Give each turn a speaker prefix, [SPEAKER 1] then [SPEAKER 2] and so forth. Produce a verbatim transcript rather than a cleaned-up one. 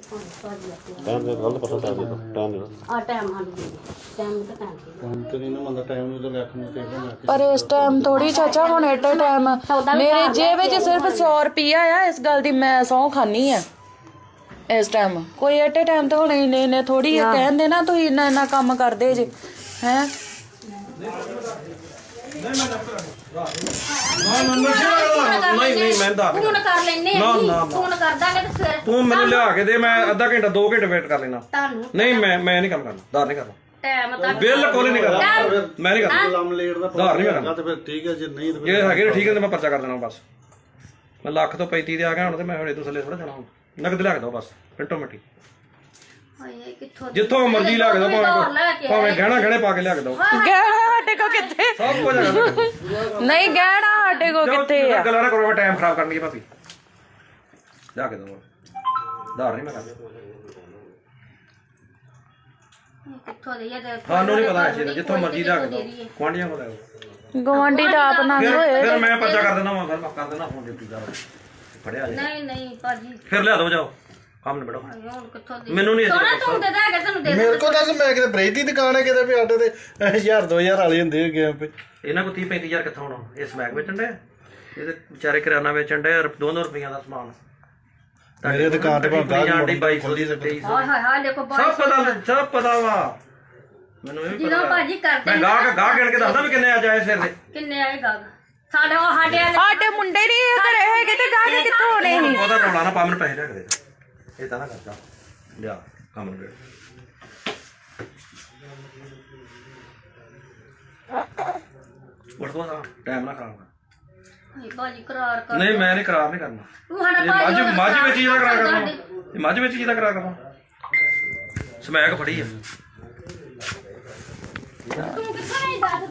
[SPEAKER 1] Time दे गलत पता time दे दो टाइम दे दो
[SPEAKER 2] ਆ ਟਾਈਮ ਹਾਂ ਦੇ ਟਾਈਮ ਤਾਂ ਟਾਈਮ
[SPEAKER 3] ਹੁਣ ਤੇ ਨਹੀਂ ਨਾ ਮੰਨਦਾ ਟਾਈਮ ਨੂੰ ਤਾਂ ਲੱਖ ਨੂੰ ਤੇ
[SPEAKER 4] ਪਰ ਇਸ ਟਾਈਮ ਥੋੜੀ ਚਾਚਾ ਹੁਣ ਐਟ ਅ ਟਾਈਮ ਮੇਰੇ ਜੇਬ ਵਿੱਚ ਸਿਰਫ ਸੌ ਰੁਪਈਆ ਆ ਇਸ ਗੱਲ ਦੀ ਮੈਂ ਸਹੁੰ ਖਾਨੀ ਆ ਇਸ ਟਾਈਮ ਕੋਈ ਐਟ ਅ ਟਾਈਮ ਤੇ ਹੁਣ ਇੰਨੇ ਇੰਨੇ ਥੋੜੀ ਕਹਿੰਦੇ ਨਾ ਤੁਸੀਂ ਇੰਨਾ ਇੰਨਾ ਕੰਮ ਕਰਦੇ ਜੇ ਹੈ
[SPEAKER 5] ਨਹੀਂ ਨਹੀਂ ਮੈਂ ਦੱਸ
[SPEAKER 2] ਫੋਨ ਕਰ ਲੈਨੇ
[SPEAKER 5] ਨਾ,
[SPEAKER 2] ਆ
[SPEAKER 5] ਨਾ, ਨਾ।
[SPEAKER 2] ਫੋਨ ਕਰ ਦਾਂਗੇ ਤੇ ਫਿਰ
[SPEAKER 5] ਤੂੰ ਮੈਨੂੰ ਲਿਆ ਕੇ ਦੇ ਮੈਂ ਅੱਧਾ ਘੰਟਾ ਦੋ ਘੰਟੇ ਵੇਟ ਕਰ ਲੈਣਾ
[SPEAKER 2] ਤੁਹਾਨੂੰ
[SPEAKER 5] ਨਹੀਂ ਮੈਂ ਮੈਂ ਨਹੀਂ ਕੰਮ ਕਰਨਾ ਧਾਰ ਨਹੀਂ ਕਰਨਾ
[SPEAKER 2] ਟਾਈਮ ਤਾਂ
[SPEAKER 5] ਬਿਲਕੁਲ ਹੀ ਨਹੀਂ ਕਰਨਾ ਮੈਂ ਨਹੀਂ ਕਰਨਾ
[SPEAKER 3] ਲੰਮ ਲੇਟ ਦਾ
[SPEAKER 5] ਧਾਰ ਨਹੀਂ ਕਰਨਾ
[SPEAKER 3] ਤੇ ਫਿਰ ਠੀਕ ਹੈ ਜੇ ਨਹੀਂ ਤੇ
[SPEAKER 5] ਜੇ ਹੈਗੇ ਠੀਕ ਹੈ ਤੇ ਮੈਂ ਪਰਚਾ ਕਰ ਦੇਣਾ ਬਸ ਮੈਂ ਲੱਖ ਤੋਂ ਪੈਂਤੀ ਦੇ ਆ ਗਿਆ ਹੁਣ ਤੇ ਮੈਂ ਹੁਣ ਇਦੋਂ ਥੱਲੇ ਥੋੜਾ ਜਾਣਾ ਹੁਣ ਨਗਦ ਲਿਆ ਕੇ ਦੋ ਬਸ ਮਿੰਟੋ ਮਿੰਟੀ
[SPEAKER 2] ਹਾਏ ਕਿੱਥੋਂ
[SPEAKER 5] ਜਿੱਥੋਂ ਮਰਜ਼ੀ ਲਿਆ ਕੇ ਦੋ ਭਾਵੇਂ ਭਾਵੇਂ ਗਹਿਣਾ ਗਹਿਣੇ ਪਾ ਕੇ ਲਿਆ ਕੇ ਦੋ
[SPEAKER 4] ਗਹਿਣਾ ਸਾਡੇ ਕੋ ਕਿੱਥੇ
[SPEAKER 5] ਸਭ ਕੁਝ ਹੈਗਾ
[SPEAKER 4] ਨਹੀਂ ਗਹਿਣਾ ਸਾਡੇ ਕੋ ਕਿੱਥੇ ਆ
[SPEAKER 5] ਗੱਲਾਂ ਨਾ ਕਰੋ ਮੈਂ ਟਾਈਮ ਖਰਾਬ ਕਰਨੀ ਹੈ ਭਾਪੀ ਲਿਆ ਕੇ ਦੋ ਧਾਰ ਨਹੀਂ ਮੈਂ ਕਰਦਾ
[SPEAKER 2] ਕਿੱਥੋਂ ਦੇ ਇਹ
[SPEAKER 5] ਤੁਹਾਨੂੰ ਨਹੀਂ ਪਤਾ ਇਸ ਚੀਜ਼ ਦਾ ਜਿੱਥੋਂ ਮਰਜ਼ੀ ਲਿਆ ਕੇ ਦੋ ਕੁਆਂਡੀਆਂ ਕੋਲ ਆਓ
[SPEAKER 4] ਗਵਾਂਢੀ ਤਾਂ ਆਪ ਨੰਗ ਹੋਏ
[SPEAKER 5] ਫਿਰ ਮੈਂ ਪਰਚਾ ਕਰ ਦਿੰਦਾ ਮੈਂ ਕਰ ਦਿੰਦਾ ਫੋਨ ਡਿਊਟੀ ਦਾ ਫੜਿਆ ਜੀ
[SPEAKER 2] ਨਹੀਂ ਨਹੀਂ ਭਾਜੀ
[SPEAKER 5] ਫਿਰ ਲਿਆ ਦੋ ਜਾਓ ਕੰਮ ਨਿਬੜੋ
[SPEAKER 2] ਹੁਣ ਕਿੱਥੋਂ ਦੇ
[SPEAKER 5] ਮੈਨੂੰ ਨਹੀਂ
[SPEAKER 2] ਸੋਨਾ ਤੂੰ ਦੇ ਦਾਂਗੇ ਤੁਹਾਨੂੰ ਦੇ
[SPEAKER 3] ਮੇਰੇ ਕੋਲ ਦੱਸ ਮੈਂ ਕਿਤੇ ਬ੍ਰੇਕ ਦੀ ਦੁਕਾਨ ਹੈ ਕਿਤੇ ਵੀ ਆਟੇ ਤੇ ਹਜ਼ਾਰ ਦੋ ਹਜ਼ਾਰ ਵਾਲੇ ਹੁੰਦੇ ਹੈਗੇ ਆ ਪੇ
[SPEAKER 5] ਇਹਨਾਂ ਕੋ ਤੀਹ ਪੈਂਤੀ ਹਜ਼ਾਰ ਕਿੱਥੋਂ ਆਉਣਾ ਇਹ ਸਮੈਕ ਵੇਚਣ ਦੇ ਇਹਦੇ ਵਿਚਾਰੇ ਕਿਰਾਨਾ ਵੇਚਣ ਦੇ ਦੋ ਦੋ ਰੁਪਈਆ ਦਾ ਸਮਾਨ
[SPEAKER 3] ਮੇਰੇ ਦੁਕਾਨ ਤੇ ਭਾਵੇਂ ਗਾਹਕ
[SPEAKER 5] ਜਾਂਦੀ ਬਾਈ
[SPEAKER 3] ਖੋਲੀ ਸਕਦੀ
[SPEAKER 2] ਹਾਏ ਹਾਏ ਹਾਏ ਦੇਖੋ
[SPEAKER 5] ਸਭ ਪਤਾ ਸਭ ਪਤਾ ਵਾ ਮੈਨੂੰ ਇਹ ਵੀ
[SPEAKER 2] ਜਦੋਂ
[SPEAKER 5] ਪਤਾ
[SPEAKER 2] ਭਾਜੀ ਕਰਦੇ
[SPEAKER 5] ਮੈਂ ਗਾਹਕ ਗਾਹਕ ਗਿਣ ਕੇ ਦੱਸਦਾ ਵੀ ਕਿੰਨੇ ਆ ਜਾਏ ਸਿਰ ਦੇ
[SPEAKER 2] ਕਿੰਨੇ ਆਏਗਾ ਸਾਡੇ ਉਹ ਸਾਡੇ ਵਾਲੇ
[SPEAKER 4] ਸਾਡੇ ਮੁੰਡੇ ਨਹੀਂ ਘਰੇ ਹੈਗੇ ਤੇ ਗਾਹਕ ਕਿੱਥੋਂ ਹੋਣੇ ਸੀ
[SPEAKER 5] ਉਹਦਾ ਰੌਲਾ ਨਾ ਪਾ ਮੈਨੂੰ ਪੈਸੇ ਲਿਆ ਕੇ ਦੇ ਇਹ ਤਾਂ ਨਾ ਕਰਦਾ ਲਿਆ ਕੰਮ ਨੂੰ ਵੜ ਦੋ ਟਾਈਮ ਨਾ ਖਰਾਬ ਕਰ
[SPEAKER 2] ਇਹ ਭਾਜੀ ਕਰਾਰ ਕਰ
[SPEAKER 5] ਨਹੀਂ ਮੈਂ ਨਹੀਂ ਕਰਾਰ ਨਹੀਂ ਕਰਨਾ
[SPEAKER 2] ਤੂੰ ਸਾਡਾ
[SPEAKER 5] ਇਹ
[SPEAKER 2] ਭਾਜੀ
[SPEAKER 5] ਮੱਝ ਮੱਝ ਵਿੱਚ ਹੀ ਦਾ ਕਰਾਰ ਕਰਨਾ ਇਹ ਮੱਝ ਵਿੱਚ ਹੀ ਦਾ ਕਰਾਰ ਕਰਨਾ ਸਮੈਕ ਫੜੀ ਆ
[SPEAKER 2] ਤੂੰ ਕਿੱਥੋਂ ਨਹੀਂ ਦੱਸ